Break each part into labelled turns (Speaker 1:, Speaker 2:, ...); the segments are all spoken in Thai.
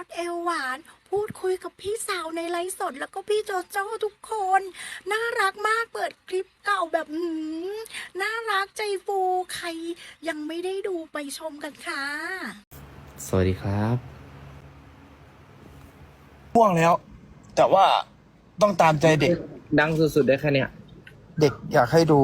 Speaker 1: ดเอวหวานพูดคุยกับพี่สาวในไลฟ์สดแล้วก็พี่โจโจ้ทุกคน น่ารักมากเปิดคลิปเก่าแบบน่ารักใจฟูใครยังไม่ได้ดูไปชมกันค่ะ
Speaker 2: สวัสดีครับ
Speaker 3: ง่วงแล้ว แต่ว่าต้องตามใจเด็ก
Speaker 2: ดังสุดๆได้แค่เนี้ย
Speaker 3: เด็กอยากให้ดู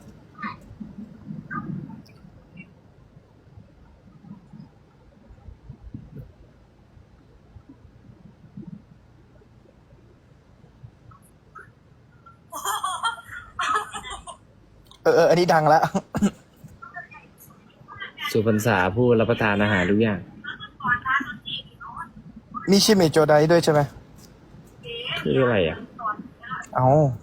Speaker 3: อันนี้ดังแล้ว
Speaker 2: สุพรรษาผู้รับประทานอาหารทุกอย่าง
Speaker 3: มีชิเมโจไดด้วยใช่ไหม
Speaker 2: คืออะไรอ่ะ
Speaker 3: เอา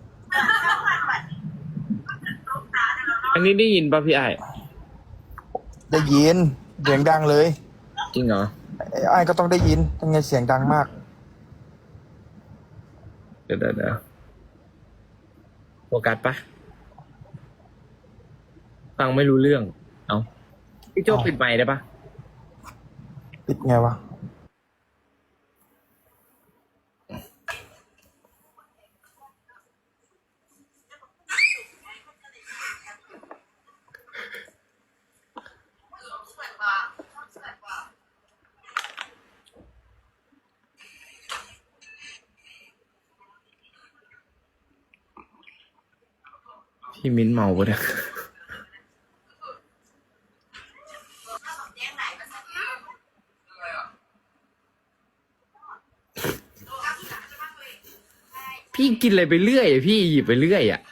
Speaker 2: อันนี้ได้ยินป่ะพี่ไอ้
Speaker 3: ได้ยินเสียงดังเลย
Speaker 2: จริงเหรอ
Speaker 3: ไอ้ก็ต้องได้ยินยังไงเสียงดังมาก
Speaker 2: เดี๋ยวโฟกัสปะฟังไม่รู้เรื่อง เอาพี่โจ้ปิดไมค์ได้ปะ
Speaker 3: ปิดไงวะ
Speaker 2: พี่มิ้นเมาปะเนี่ยพี่กินอะไรไปเรื่อยอะพี่หยิบไปเรื่อยอ่ะ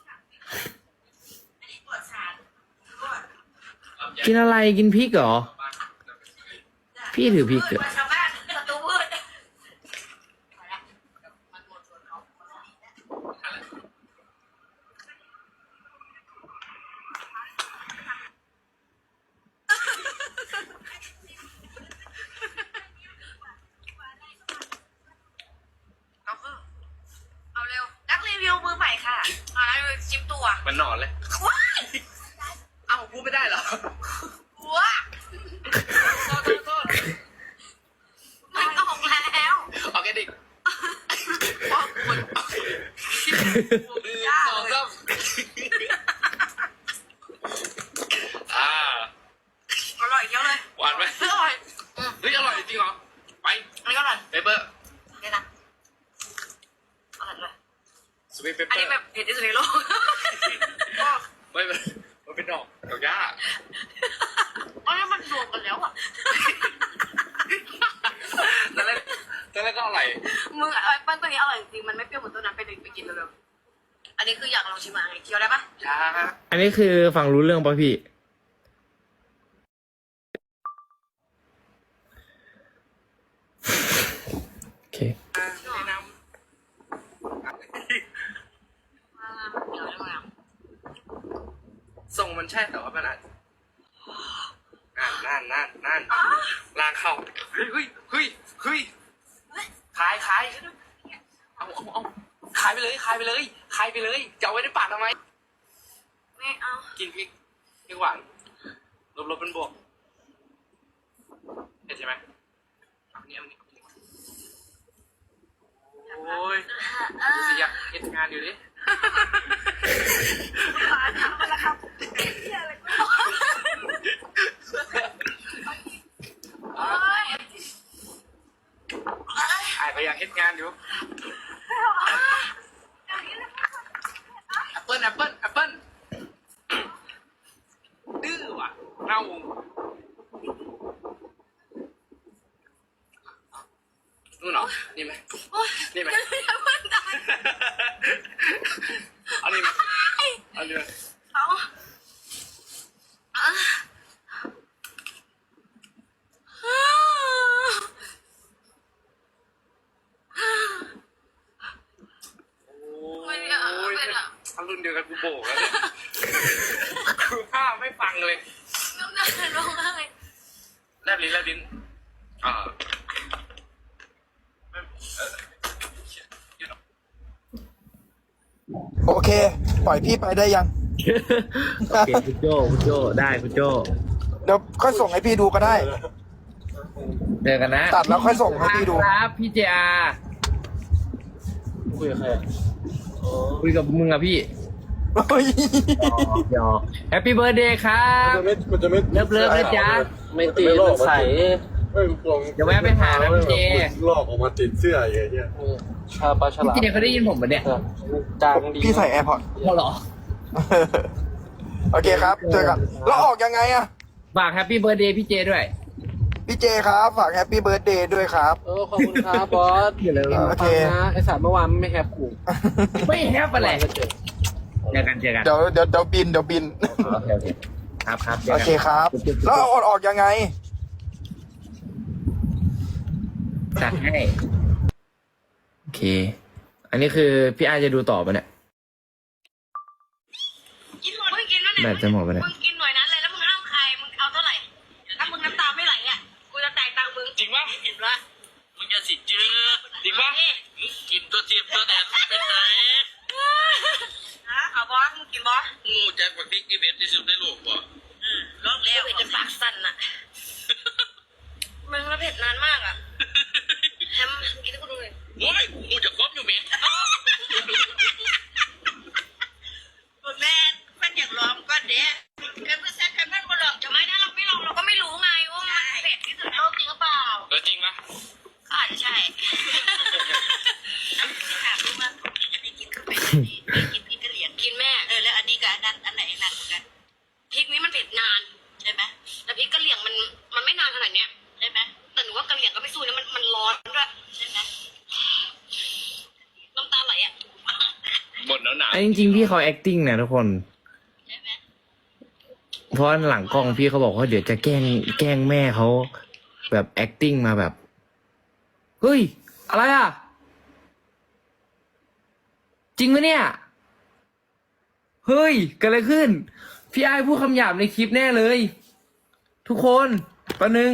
Speaker 2: กินอะไรกินพริกเหรอ พี่ถือพริกเหรอ
Speaker 4: เอาเร็วนักรีวิวมือใหม่ค่ะมาแล้วชิมตัว
Speaker 2: มันนอนเลย
Speaker 4: ว้าย
Speaker 2: เอ้าพูดไม่ได้เหรอ
Speaker 4: ว้าโทษไม่ต้องแล้ว
Speaker 2: ออร์แกนิก
Speaker 4: ว้าวคุณยาก
Speaker 2: สอง
Speaker 4: เลย
Speaker 2: สามอ่า
Speaker 4: อร่อยเยอะเลย
Speaker 2: หวานไหม
Speaker 4: อร่อย
Speaker 2: เฮ้ยอร่อยจริงเหรอ ไป
Speaker 4: อันนี้ก็อร่อย
Speaker 2: เปเปอร์
Speaker 4: เนี่ยนะอร่อยเลย
Speaker 2: สวีทเปเป
Speaker 4: อัน
Speaker 2: อ
Speaker 4: นี้
Speaker 2: ร์
Speaker 4: แบบเผ็ดที่สุดในโลก
Speaker 2: ไม่มันเป็นดอกหญ้า
Speaker 4: อันนี้มันรวมกันแล้วอ่ะ
Speaker 2: ตอนแรกก็อร่อย
Speaker 4: มึงไอ้ปั้นตัวนี้อร่อยจริงมันไม่เปรี้ยวเหมือนตัวนั้นไปดึกไปกินเร็วๆอันนี้คืออยากลองชิมอะไรเคี้ยวได้ปะ
Speaker 2: ช้าอันนี้คือฟังรู้เรื่องป่ะพี่ โอเค
Speaker 4: แนะนำเดี๋ยวได้ไหมอ่ะ
Speaker 2: ทรงมันใช่แต่ว่ามันอาจนั่นลากเข้าเฮ้ยขายเอาขายไปเลยจะเอาไว้ในปากทำไม
Speaker 4: ไม่เอา
Speaker 2: กินพริกหวานลบเป็นบวกเห็นใช่ไหมเอานี่โอ้ยสิอยากเห็นงานอยู่ดิ
Speaker 4: มาทำมาแล้วครับเหี้ยอะไรกูโอ๊ย
Speaker 2: ไอ้ก็อยากเห็นงานอยู่แอปเปิ้ลดื้อว่ะเน่านู่นเหรอนี่ไหม นี่ไหม เอานี่ไหมเอานี่ไหม
Speaker 4: เอาไม่เอา
Speaker 2: โอ้ย
Speaker 4: ไม่เอา
Speaker 2: ถ้ารุ่นเดียวกันกูโบกแล้วเนี่ยคือภาพไม่ฟังเลย
Speaker 4: น้ำหนักลงเลย
Speaker 2: แลบลิ้นอ่าอยู่เนอะ
Speaker 3: โอเค ปล่อยพี่ไปได้ยัง
Speaker 2: โอเคคุณโจได้คุณโจ
Speaker 3: เดี๋ยวค่อยส่งให้พี่ดูก็ได้
Speaker 2: เจอกันนะ
Speaker 3: ตัดแล้วค่อยส่งให้พี่ดู
Speaker 2: ครับพี่เจอา
Speaker 3: คุยกับใครอะ
Speaker 2: คุยกับมึงอะพี่
Speaker 3: เฮ้ย
Speaker 2: หยอกแฮปปี้เบิร์ดเดย์ครับ
Speaker 5: มันจะไม่
Speaker 2: เลิฟๆนะจ๊ะ
Speaker 3: ไม่ตีมันใส่
Speaker 5: เฮ้ยลอง
Speaker 2: เดี๋ยวแวะไปหานะพี่เจ
Speaker 5: ลอกออกมาติดเสื้ออย่างเงี้ย
Speaker 3: ชาปลาฉลาม
Speaker 2: พี่เจเขาได้ยินผมปะเนี่ย
Speaker 3: จางดีพี่ใส่แอร์พอร์ต
Speaker 2: พอเหรอ
Speaker 3: โอเคครับเจอกันแล้วออกยังไงอะ
Speaker 2: ฝากแฮปปี้เบิร์ดเดย์พี่เจด้วย
Speaker 3: พี่เจครับฝากแฮปปี้เบิร์ดเดย์ด้วยครับ
Speaker 6: ขอบคุณครับบอส
Speaker 2: เดี๋ยวเลย
Speaker 3: โอเค
Speaker 6: นะไอสารเมื่อวานไม่แฮปกู
Speaker 2: ไม่แฮปอะไรเจอกันเจอกัน
Speaker 3: เดี๋ยวบิน
Speaker 2: โอเคโอเคครับครับจ
Speaker 3: โอ
Speaker 2: กัน
Speaker 3: เคครับ แล้วเอาออกยังไง
Speaker 2: จัดให้ โอเค อันนี้คือพี่อาจะดูต่อปะเนี่ย
Speaker 4: กินหมดมึงกินแล้วเนี่ย
Speaker 2: แบบจะหมดปะเนี่ย
Speaker 4: มึงกินหน่วยนั้นเลยแล้วมึงห้ามใครมึงเอาเท่าไหร่ถ้ามึงน้ำตาไม่ไหลอ่ะกูจะจ่ายตังค์มึง
Speaker 2: จริงปะ
Speaker 4: เห็นปะ
Speaker 2: มึงจะสิจื้อจริงปะกินตัวเทียมตัวแดนเป็นไหน
Speaker 4: ฮะเอาบอสมึงกินบอส
Speaker 2: งูแจ็คบักดิ๊กอีเวนต์ที่สุดในโลกปะ
Speaker 4: ลอกแล้วเป็นปากสั่นอ่ะมึงแล้วเผ็ดนานมากอ่ะแฮมกินให้กูดูหน่อย
Speaker 2: โอ้ยงูจะครบอยู่ไหม
Speaker 4: แม่เพื่อนอยากลองก็เด้เพื่อนแซดเพื่อนมาลองจะไม่นะเราไม่ลองเราก็ไม่รู้ไงว่ามันเผ็ดที่สุดในโลกจริงหรือเปล่า
Speaker 2: จริงปะ
Speaker 4: ก็อาจจะใช่ถามดูว่าจะได้กินเข้าไปกินพริกกะเหรี่ยงกินแม่แล้วอันนี้กับอันนั้นอันไหนหนักกว่ากันพริกนี้มันเผ็ดนานใช่ไหมแต่พริกกะเหรี่ยงมันไม่นานขนาดเนี้ยใช่ไหมแต่หนูว่ากะเหรี่ยงก็ไม่สู้นะมันร้อนด้วยใช่ไหมน้ำตาไหลอ่ะ
Speaker 2: หมดแล้วหนาจริงๆพี่เขา acting นะทุกคน
Speaker 4: ใช่ไหม
Speaker 2: เพราะหลังกล้องพี่เขาบอกว่าเดี๋ยวจะแกล้งแม่เขาแบบ acting มาแบบ เฮ้ย อะไรอ่ะ จริงปะเนี่ย เฮ้ยเกิดอะไรขึ้น พี่ไอ้พูดคำหยาบในคลิปแน่เลย ทุกคนประหนึ่ง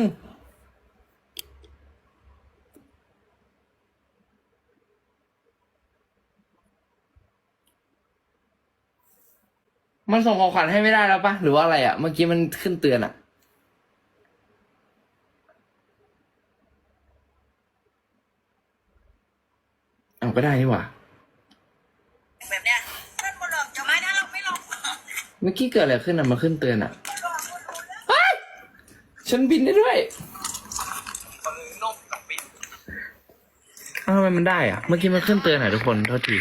Speaker 2: มันส่งของขวัญให้ไม่ได้แล้วปะหรือว่าอะไรอ่ะ เมื่อกี้มันขึ้นเตือนอ่ะ เอาก็ได้นี่หว่า
Speaker 4: แบบเนี้ยเพื่อนมาลองจะไม่นะเราไม่ลอง
Speaker 2: เมื่อกี้เกิดอะไรขึ้นอ่ะมาขึ้นเตือนอ่ะเฮ้ยฉันบินได้ด้วยอ้าวทำไมมันได้อ่ะ เมื่อกี้มันขึ้นเตือนอ่ะทุกคนโทษที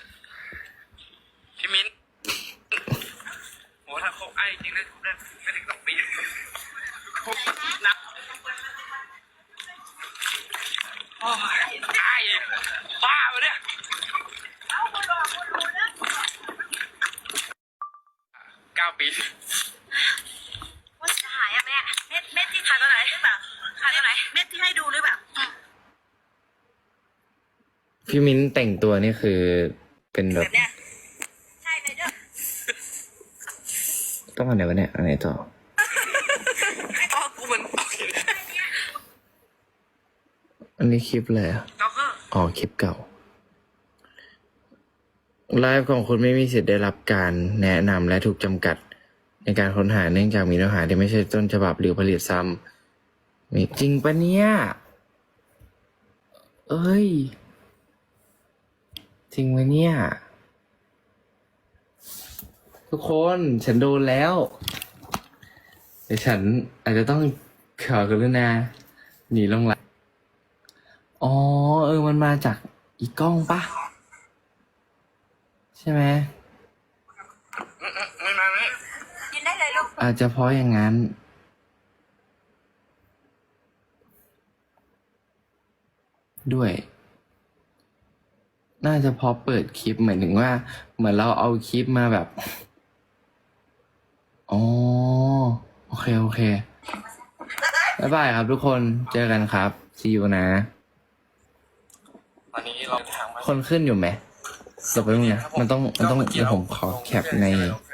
Speaker 7: พี่มิ้นโหถ้าเขาไอ้จริงนะคุณได้ไม่ถึง2 ปีเขานับโอ้ยไอ้บ้าไปเนี่ย9 ปี
Speaker 4: ว่าจะหายอะแม่เม็ดที่ขายตัวไหนหรือเปล่าขายตัวไหนเม็ดที่ให้ดูหรือเปล่า
Speaker 2: พี่มิ้นแต่งตัวนี่คือเป็นแบบ
Speaker 4: เนี้ยใช่เลยเด้อ
Speaker 2: ต้องอันไหนวะเนี่ยอันไหนต่อ
Speaker 7: อ๋อกูมันโอเค
Speaker 2: อันนี้คลิปเลยอ่ะ
Speaker 7: ก็คือ
Speaker 2: อ๋อคลิปเก่า ไลฟ์ของคุณไม่มีสิทธิ์ได้รับการแนะนำและถูกจำกัด ในการค้นหาเนื่องจากมีเนื้อหาที่ไม่ใช่ต้นฉบับหรือผลิตซ้ำมีจริงปะเนี่ย เอ้ย จริงไหมเนี่ย ทุกคนฉันโดนแล้วเดี๋ยวฉันอาจจะต้องขอกรุณาหนีลงหลังอ๋อมันมาจากอีกกล้องปะใช่ไหม
Speaker 7: ไม่มาไหม
Speaker 4: กินได้เลยลูก
Speaker 2: อาจจะเพราะอย่างนั้น ด้วย น่าจะเพราะเปิดคลิปหมายถึงว่า เหมือนเราเอาคลิปมาแบบ อ๋อ โอเค โอเค บ๊ายบายครับทุกคน เจอกันครับ see you นะ
Speaker 7: ตอนนี้เราทางมา
Speaker 2: คนขึ้นอยู่ไหมเดี๋ยวไปตรงนี้นะมันต้องเดี๋ยวผมขอแคปใน
Speaker 7: เ